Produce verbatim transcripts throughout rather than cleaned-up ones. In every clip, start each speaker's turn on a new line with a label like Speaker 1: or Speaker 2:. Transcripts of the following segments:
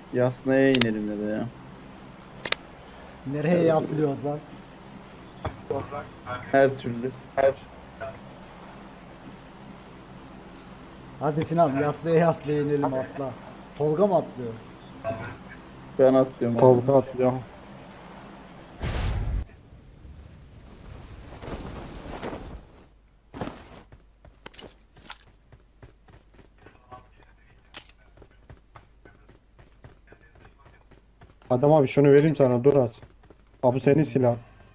Speaker 1: Yasnaya inelim dedi ya.
Speaker 2: Nereye yaslıyoruz lan?
Speaker 1: Her türlü. Her.
Speaker 2: Hadi Sinan yaslaya yaslaya inelim atla. Tolga mı atlıyor?
Speaker 1: Ben atlıyorum abi.
Speaker 3: Tolga atlıyor. Adam abi şunu vereyim sana, dur az. Abi bu senin silah.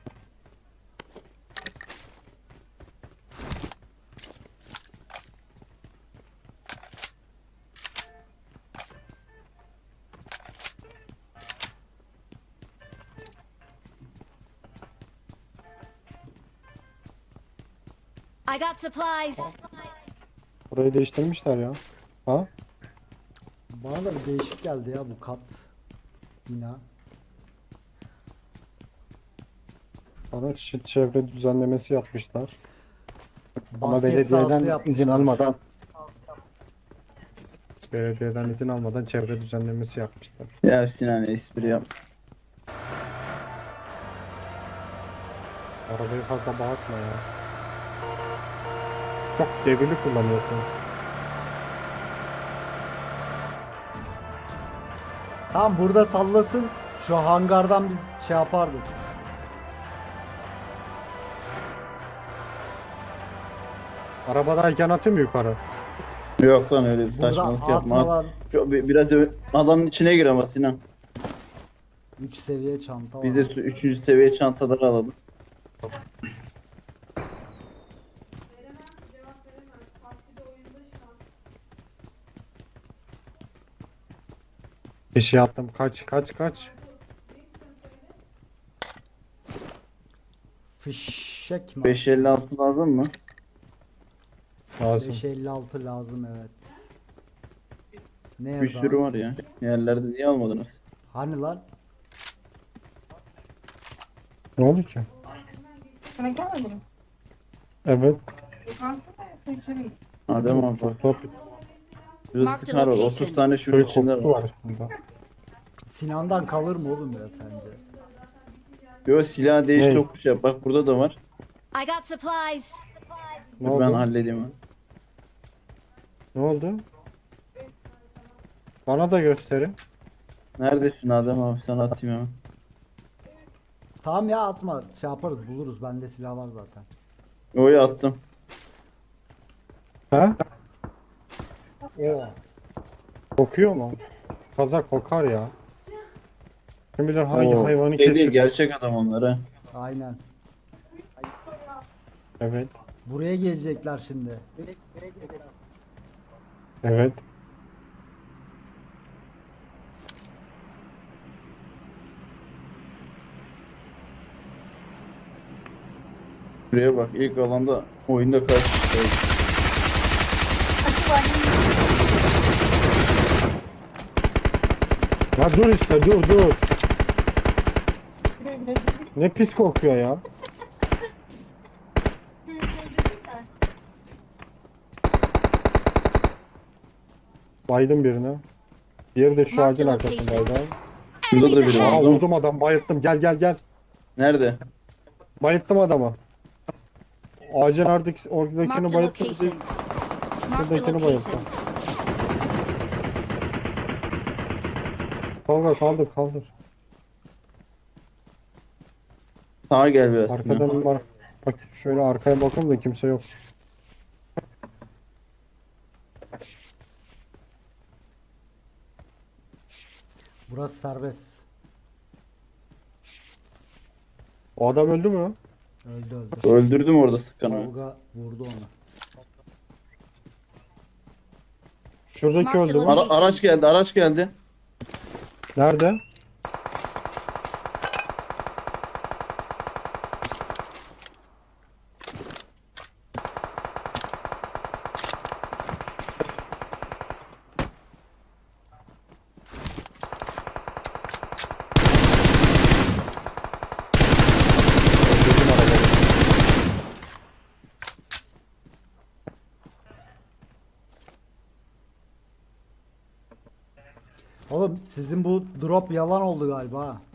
Speaker 4: I got supplies.
Speaker 3: Burayı değiştirmişler ya. Ha?
Speaker 2: Bana da bir değişik geldi ya bu kat. Bina.
Speaker 3: Bana ç- çevre düzenlemesi yapmışlar. Ama
Speaker 2: Basket sahası
Speaker 3: belediyeden
Speaker 2: yapmışlar.
Speaker 3: izin almadan belediyeden izin almadan çevre düzenlemesi yapmışlar.
Speaker 1: Ya Sinan espri yap.
Speaker 3: Arabayı fazla bağırtma ya. Çok devirli kullanıyorsun.
Speaker 2: Tam burada sallasın. Şu hangardan biz şey yapardık.
Speaker 3: Arabadayken atayım mı yukarı?
Speaker 1: Yok lan öyle bir
Speaker 2: Burada
Speaker 1: saçmalık
Speaker 2: atma
Speaker 1: yapma.
Speaker 2: lan.
Speaker 1: Şu, bi- biraz ö- alanın içine gir ama Sinan.
Speaker 2: üç seviye çanta var.
Speaker 1: Biz de şu üçüncü seviye çantaları alalım.
Speaker 3: Bir şey attım. Kaç kaç kaç.
Speaker 2: Fişek mi?
Speaker 1: beş elli altı lazım mı?
Speaker 3: Lazım.
Speaker 2: beş elli altı lazım evet. Nerede?
Speaker 1: Bir sürü var ya. Yerlerde niye almadınız?
Speaker 2: Hani lan?
Speaker 3: Ne oldu ki?
Speaker 5: Sana gelmedi mi?
Speaker 3: Evet.
Speaker 5: Yukarıda da şaşırayım.
Speaker 1: Adem abi bak.
Speaker 3: Çok top.
Speaker 1: Şurada
Speaker 4: Marked
Speaker 1: sıkar var.
Speaker 4: location.
Speaker 1: otuz tane şu
Speaker 3: Köy
Speaker 1: içinde
Speaker 3: kokusu
Speaker 1: var.
Speaker 3: var üstünde.
Speaker 2: Sinan'dan kalır mı oğlum ya sence?
Speaker 1: Yo silah değiş
Speaker 3: Ne?
Speaker 1: tokuş yap. Bak burada da var.
Speaker 4: I got supplies.
Speaker 3: Ne
Speaker 1: Dur ben
Speaker 3: oldu?
Speaker 1: halledeyim onu.
Speaker 3: Ne oldu? Bana da gösterin.
Speaker 1: Neredesin Adem abi? Sana atayım hemen.
Speaker 2: Tamam ya atma şey yaparız buluruz bende silah var zaten.
Speaker 1: Oyu attım.
Speaker 3: Ha?
Speaker 2: Oo.
Speaker 3: Kokuyor mu? Kaza kokar ya. Kim bilir hangi
Speaker 1: Oo,
Speaker 3: hayvanı
Speaker 1: şey değil,
Speaker 3: kesip.
Speaker 1: gerçek adam onlar ha.
Speaker 2: Aynen.
Speaker 3: Evet.
Speaker 2: Buraya gelecekler şimdi.
Speaker 3: Evet.
Speaker 1: Buraya bak ilk alanda oyunda kaç kişi var?
Speaker 3: Ya dur işte dur dur. Ne pis kokuyor ya. Baydım birine. Diğeri de şu
Speaker 4: Marked
Speaker 3: ağacın
Speaker 4: location.
Speaker 3: arkasındaydı.
Speaker 1: Şurada da
Speaker 4: Enemies
Speaker 1: biri
Speaker 3: Aa
Speaker 1: var.
Speaker 4: ahead.
Speaker 3: vurdum adam, bayılttım. Gel gel gel.
Speaker 1: Nerede?
Speaker 3: Bayılttım adamı. Ağacın oradaki, oradakini
Speaker 4: Marked a
Speaker 3: bayılttım.
Speaker 4: location.
Speaker 3: Bir
Speaker 4: Marked a
Speaker 3: buradakini
Speaker 4: location.
Speaker 3: bayılttım. Kaldır kaldır kaldır.
Speaker 1: Sağa gel biraz.
Speaker 3: Arkadan var. Bak şöyle arkaya bakın da kimse yok.
Speaker 2: Burası serbest.
Speaker 3: O adam öldü mü?
Speaker 2: Öldü öldü.
Speaker 1: Öldürdüm orada sıkanı.
Speaker 2: Tolga vurdu onu.
Speaker 3: Şuradaki öldü mü?
Speaker 1: Ara- araç geldi, araç geldi.
Speaker 3: Nerede? Öldürdüm arabayı.
Speaker 2: Oğlum sizin bu drop yalan oldu galiba ha.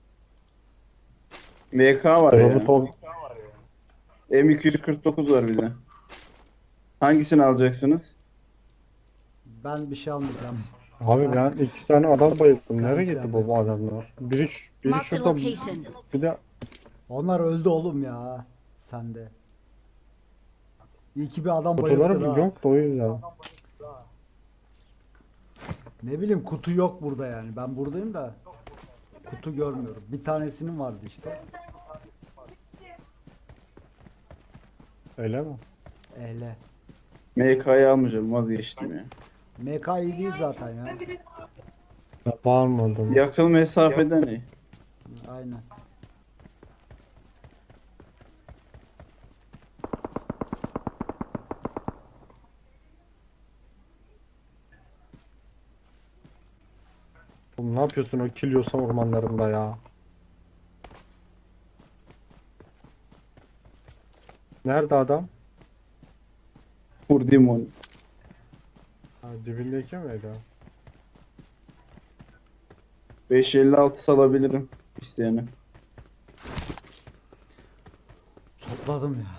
Speaker 1: V K var
Speaker 3: Drop'u
Speaker 1: ya.
Speaker 3: tol
Speaker 1: M iki yüz kırk dokuz var bir de. Hangisini alacaksınız?
Speaker 2: Ben bir şey almayacağım.
Speaker 3: Abi ben iki tane adam bayılttım. Nereye
Speaker 2: Sen
Speaker 3: gitti
Speaker 2: şey
Speaker 3: bu, bu adamlar? Biri, ş- biri
Speaker 4: Marked a
Speaker 3: şurada,
Speaker 4: location.
Speaker 3: bir de
Speaker 2: Onlar öldü oğlum ya. Sende. İyi ki bir adam bayılttın
Speaker 3: kutuları
Speaker 2: ha.
Speaker 3: yok da o yüzden.
Speaker 2: Ne bileyim kutu yok burada yani. Ben buradayım da kutu görmüyorum. Bir tanesinin vardı işte.
Speaker 3: Öyle mi?
Speaker 2: Ehle.
Speaker 1: M K'yı almayacağım, vazgeçtim ya.
Speaker 2: M K iyi değil zaten ya.
Speaker 3: Ben bağırmadım.
Speaker 1: Yakın mesafeden iyi.
Speaker 2: Aynen.
Speaker 3: Oğlum ne yapıyorsun o Kilyos ormanlarında ya? Nerede adam?
Speaker 1: Vurdum onu.
Speaker 3: Ha, dibindeki miydi?
Speaker 1: beş elli altı salabilirim isteyene.
Speaker 2: Topladım ya.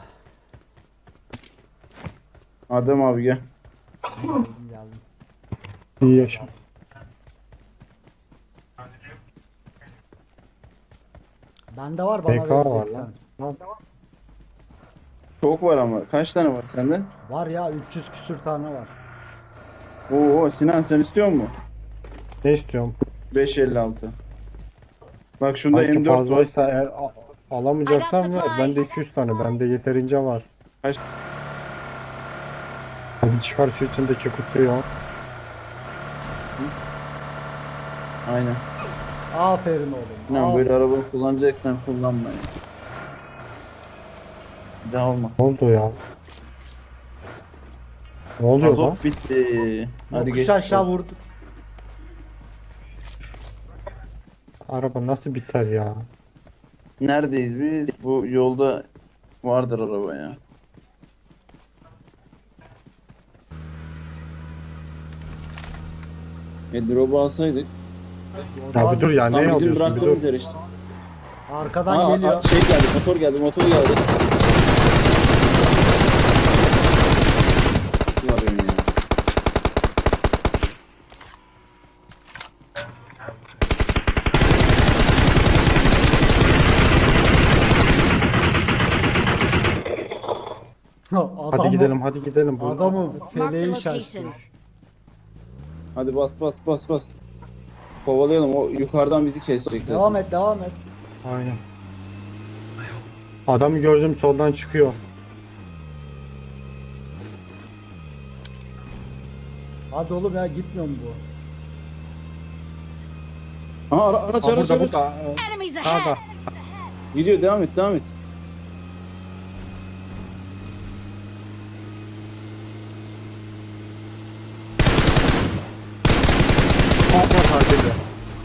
Speaker 1: Adem abi gel.
Speaker 2: Geldim geldim.
Speaker 3: İyi yaşa.
Speaker 2: Bende var bana
Speaker 3: B K var
Speaker 2: vereceksen.
Speaker 3: lan. Lan,
Speaker 1: Çok var ama. Kaç tane var sende?
Speaker 2: Var ya üç yüz küsür tane var.
Speaker 1: Oo Sinan sen istiyor musun?
Speaker 3: ne istiyorum?
Speaker 1: beş elli altı. Bak şunda
Speaker 3: Belki
Speaker 1: M dört var.
Speaker 3: fazlaysa eğer a- alamayacaksan
Speaker 4: I got
Speaker 3: ver. Bende
Speaker 4: supplies.
Speaker 3: iki yüz tane. Bende yeterince var.
Speaker 1: Kaç?
Speaker 3: Hadi çıkar şu içindeki kutuyu.
Speaker 1: Aynen.
Speaker 2: Aferin oğlum.
Speaker 1: Sinan
Speaker 2: aferin.
Speaker 1: böyle araba kullanacaksan kullanma ya. Bir daha
Speaker 3: Ne
Speaker 1: olmasın.
Speaker 3: oldu ya? Ne oluyor lan?
Speaker 1: Azot bitti. Hadi
Speaker 2: Yokuş
Speaker 1: geç.
Speaker 2: aşağı vurdu.
Speaker 3: Araba nasıl biter ya?
Speaker 1: Neredeyiz biz? Bu yolda vardır araba ya. E drop'u alsaydık.
Speaker 3: Ya bir dur ya,
Speaker 1: Tam
Speaker 3: ne
Speaker 1: bizim
Speaker 3: alıyorsun bir
Speaker 1: bıraktığımız
Speaker 3: dur.
Speaker 1: yer işte.
Speaker 2: Arkadan
Speaker 1: Aa,
Speaker 2: geliyor.
Speaker 1: aa, şey geldi, motor geldi, motor geldi. Var önü ya.
Speaker 2: Adamı,
Speaker 3: Hadi gidelim hadi gidelim. Bu-
Speaker 2: Adamı
Speaker 4: Marked a
Speaker 2: feleği şaştı.
Speaker 4: location.
Speaker 1: Hadi bas bas bas bas. Kovalayalım, o yukarıdan bizi kesecek zaten.
Speaker 2: Devam et devam et.
Speaker 3: Aynen. Adamı gördüm soldan çıkıyor.
Speaker 2: Hadi oğlum ya gitmiyor mu bu?
Speaker 1: Aha ara, araç
Speaker 3: Ha,
Speaker 1: araç
Speaker 3: burada
Speaker 1: araç.
Speaker 3: burada.
Speaker 4: Enemies
Speaker 3: Sağda.
Speaker 4: ahead.
Speaker 1: Gidiyor, devam et devam et.
Speaker 3: Sağda sadece.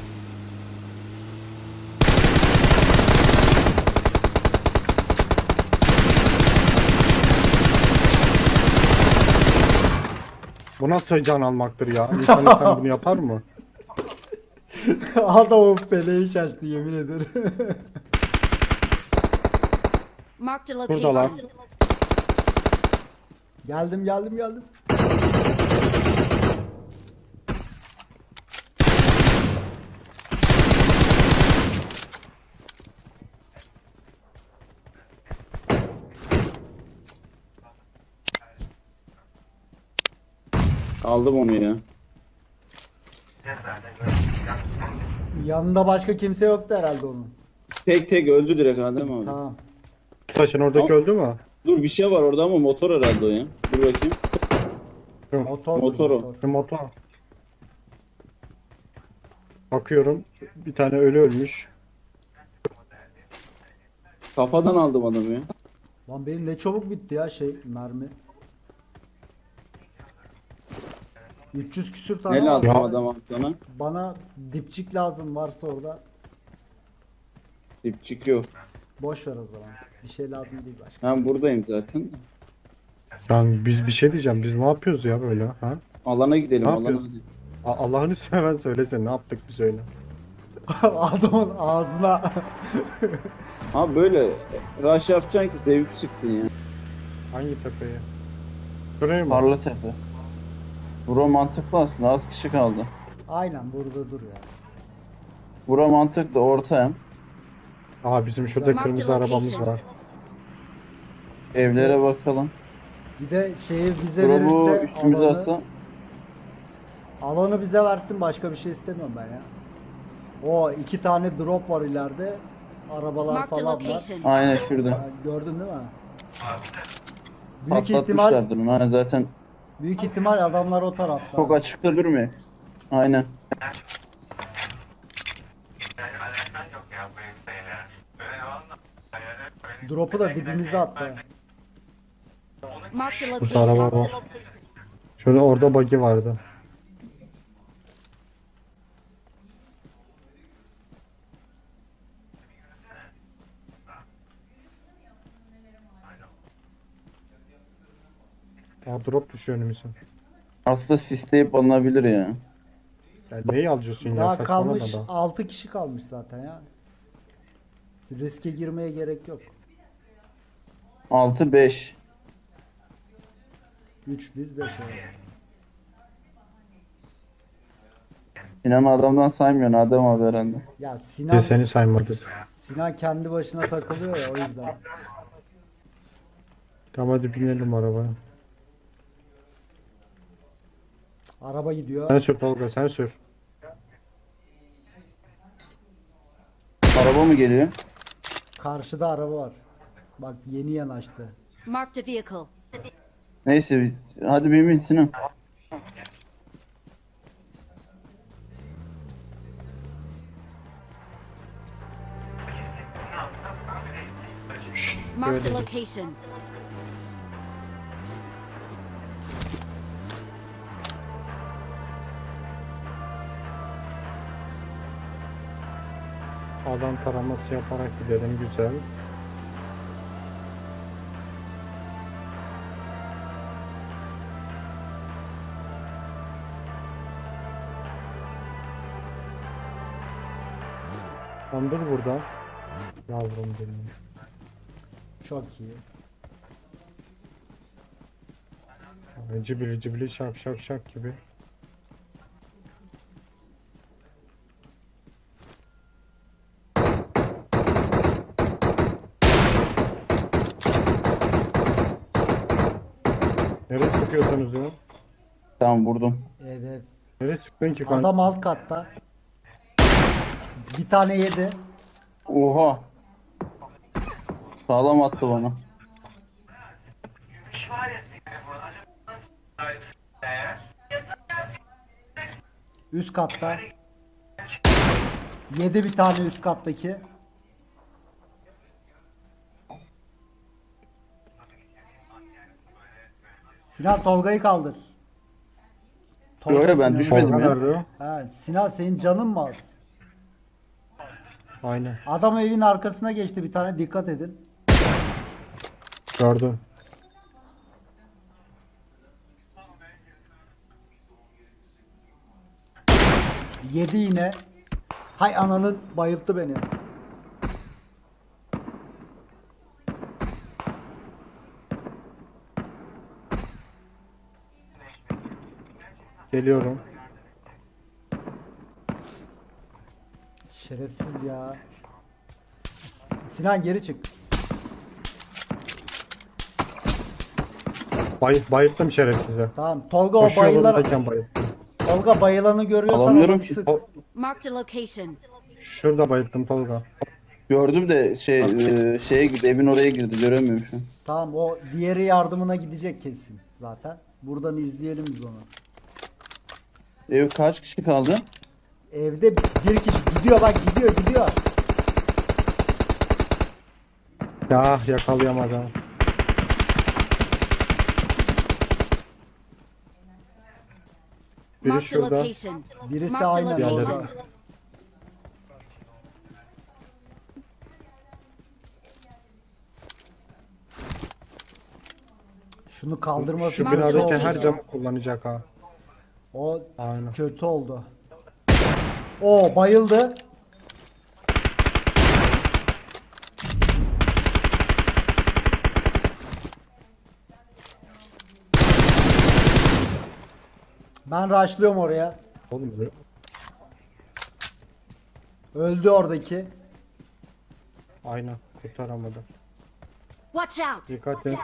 Speaker 3: Bu nasıl can almaktır ya? İnsan insan bunu yapar mı?
Speaker 2: Adamın feleği şaştı yemin ederim.
Speaker 4: Marked a
Speaker 3: Buradalar.
Speaker 4: location.
Speaker 2: geldim geldim geldim.
Speaker 1: Aldım onu ya.
Speaker 2: Yanında başka kimse yoktu herhalde onun.
Speaker 1: Tek tek öldü direkt Adem abi.
Speaker 2: Tamam.
Speaker 3: Taşın oradaki öldü mü?
Speaker 1: Dur bir şey var orada ama motor herhalde o ya. Dur bakayım.
Speaker 2: Motor.
Speaker 1: Motor o.
Speaker 2: motor.
Speaker 3: Bir motor. Bakıyorum bir tane ölü ölmüş.
Speaker 1: Kafadan aldım adamı ya.
Speaker 2: Lan benim ne çabuk bitti ya şey mermi. üç yüz küsür tane
Speaker 1: Ne
Speaker 2: var.
Speaker 1: lazım
Speaker 3: Ya.
Speaker 1: adam sana?
Speaker 2: Bana dipçik lazım varsa orada.
Speaker 1: Dipçik yok.
Speaker 2: Boş ver o zaman. Bir şey lazım değil başka.
Speaker 1: Ben buradayım zaten.
Speaker 3: Yani biz bir şey diyeceğim. Biz ne yapıyoruz ya böyle? Ha?
Speaker 1: Alana gidelim
Speaker 3: Ne
Speaker 1: alana
Speaker 3: yapıyorsun?
Speaker 1: hadi.
Speaker 3: A- Allah'ını seven söylesene ne yaptık bir söyle.
Speaker 2: Adamın ağzına.
Speaker 1: Abi böyle rush yapacaksın ki zevk çıksın ya.
Speaker 3: Hangi tepeye? Şuraya mı?
Speaker 1: Parla tepe. Bura mantıklı aslında, az kişi kaldı.
Speaker 2: Aynen burada dur ya.
Speaker 1: Bura mantıklı, orta hem.
Speaker 3: Aa bizim şurada
Speaker 4: Marked
Speaker 3: kırmızı arabamız
Speaker 4: location.
Speaker 3: var.
Speaker 1: Evlere bakalım.
Speaker 2: Bir de şeyi bize
Speaker 1: Bura bu
Speaker 2: verirse
Speaker 1: üstümüze
Speaker 2: alanı,
Speaker 1: atsa.
Speaker 2: alanı bize versin, başka bir şey istemiyorum ben ya. O iki tane drop var ileride. Arabalar
Speaker 4: Marked a
Speaker 2: falan var.
Speaker 4: location.
Speaker 1: Aynen şurada.
Speaker 2: Ha, gördün değil mi? Büyük ihtimal
Speaker 1: Patlatmışlardır onu. Hani zaten
Speaker 2: büyük ihtimal adamlar o tarafta.
Speaker 1: çok açıkta durmuyor. Aynen.
Speaker 2: Drop'u da dibimize attı.
Speaker 4: Marked a
Speaker 3: Burada araba
Speaker 4: location.
Speaker 3: var. Şurada orada buggy vardı. Aa drop düşüyor önümüze.
Speaker 1: Aslında sisleyip alınabilir ya.
Speaker 3: Ya neyi alacaksın ya?
Speaker 2: Daha
Speaker 3: Saçmalama
Speaker 2: kalmış
Speaker 3: da.
Speaker 2: altı kişi kalmış zaten ya. Riske girmeye gerek yok.
Speaker 1: altı beş.
Speaker 2: üç biz beş evet.
Speaker 1: Sinan adamdan saymıyorsun Adem abi herhalde.
Speaker 2: Ya
Speaker 3: Biz
Speaker 2: Sinan
Speaker 3: seni saymadık.
Speaker 2: Sinan kendi başına takılıyor ya, o yüzden.
Speaker 3: Tamam hadi binelim arabaya.
Speaker 2: Araba gidiyor.
Speaker 3: Sen sür Tolga sen sür.
Speaker 1: Araba mı geliyor?
Speaker 2: Karşıda araba var. Bak yeni yanaştı.
Speaker 4: Marked a vehicle.
Speaker 1: Neyse hadi bin bin Sinan.
Speaker 4: Marked a location.
Speaker 3: Adam taraması yaparak gidelim güzel. Tam dur burada. Yavrum benim.
Speaker 2: Çok iyi.
Speaker 3: Ay, Cibili cibili şak şak şak gibi. Nereye sıkıyorsunuz ya?
Speaker 1: Tamam vurdum.
Speaker 2: Evet.
Speaker 3: Nereye sıktın ki kanka?
Speaker 2: Adam alt katta. Bir tane yedi.
Speaker 1: Oha. Sağlam attı bana.
Speaker 2: Üst katta. Yedi bir tane üst kattaki. Sinan Tolga'yı kaldır.
Speaker 1: Yo, yo, ben
Speaker 2: Sinan'ı-
Speaker 1: düşmedim.
Speaker 3: Tolga
Speaker 1: ya.
Speaker 3: nerede o?
Speaker 2: Ha, Sinan senin canın mı az?
Speaker 3: Aynen.
Speaker 2: Adam evin arkasına geçti bir tane, dikkat edin.
Speaker 3: Gördüm.
Speaker 2: Yedi yine. Hay ananın, bayılttı beni.
Speaker 3: Geliyorum.
Speaker 2: Şerefsiz ya. Sinan geri çık.
Speaker 3: Bay, bayılttım şerefsize.
Speaker 2: Tamam. Tolga o
Speaker 3: Koşuyor
Speaker 2: bayılan,
Speaker 3: buradayken bayılttım.
Speaker 2: Tolga bayılanı görüyorsan
Speaker 1: Alamıyorum
Speaker 2: onu
Speaker 1: ki.
Speaker 2: sık.
Speaker 3: O-
Speaker 4: Marked a location.
Speaker 3: Şurada bayılttım Tolga.
Speaker 1: Gördüm de şey e, şeye girdi, evin oraya girdi, göremiyorum şu an.
Speaker 2: Tamam, o diğeri yardımına gidecek kesin zaten. Buradan izleyelim biz onu.
Speaker 1: Ev kaç kişi kaldı?
Speaker 2: Evde bir kişi gidiyor, bak gidiyor gidiyor.
Speaker 3: Ya yakalayamadım. Biri
Speaker 4: Marked a
Speaker 3: şurada.
Speaker 4: location.
Speaker 2: Birisi
Speaker 4: Marked a
Speaker 2: aynen
Speaker 4: location.
Speaker 2: orada. Şunu kaldırması
Speaker 3: Şu
Speaker 4: Marked
Speaker 3: binadaki
Speaker 4: location.
Speaker 3: her camı kullanacak ha.
Speaker 2: O
Speaker 3: Aynen.
Speaker 2: kötü oldu. O bayıldı. Ben rushlıyorum oraya.
Speaker 3: Oğlum
Speaker 2: Öldü oradaki.
Speaker 3: aynen kurtaramadı.
Speaker 4: Watch out!
Speaker 3: Dikkat et.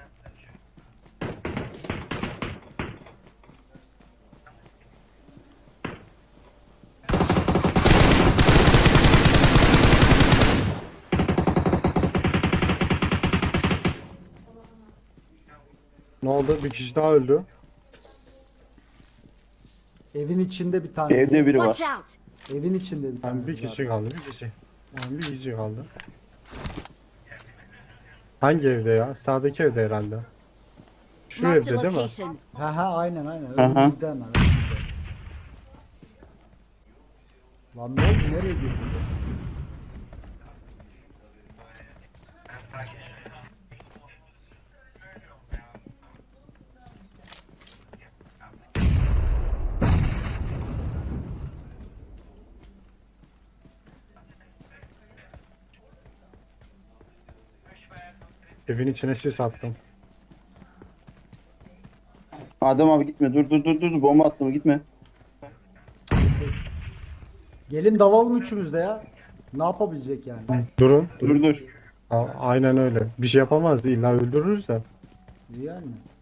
Speaker 3: Ne oldu? Bir kişi daha öldü.
Speaker 2: Evin içinde bir tanesi.
Speaker 1: Evde biri
Speaker 4: Watch
Speaker 1: var.
Speaker 4: out!
Speaker 2: Evin içinde bir tanesi.
Speaker 3: Yani bir kişi
Speaker 2: var.
Speaker 3: kaldı, bir kişi. Yani bir kişi kaldı. Hangi evde ya? Sağdaki evde herhalde. Şu
Speaker 4: Marked a
Speaker 3: evde değil mi?
Speaker 4: location.
Speaker 2: Ha ha aynen aynen.
Speaker 1: Hı hı.
Speaker 2: Önümüzde hemen. önümüzde. Lan ne oldu? Nereye girdin?
Speaker 3: Evin içine sis attım.
Speaker 1: Adem abi gitme. Dur dur dur dur. Bomba attım gitme.
Speaker 2: Gelin dalalım üçümüz de ya. Ne yapabilecek yani?
Speaker 3: Durun.
Speaker 1: Dur dur.
Speaker 3: A- aynen öyle. Bir şey yapamaz. İlla öldürürüz de.
Speaker 2: Yani.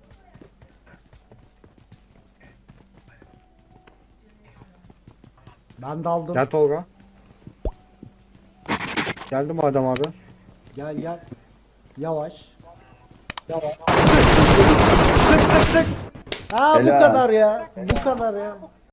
Speaker 2: Ben daldım.
Speaker 3: Gel Tolga. Geldim Adem abi.
Speaker 2: Gel gel. Yavaş. Yavaş. Ha bu
Speaker 1: Helal.
Speaker 2: kadar ya. Bu kadar ya.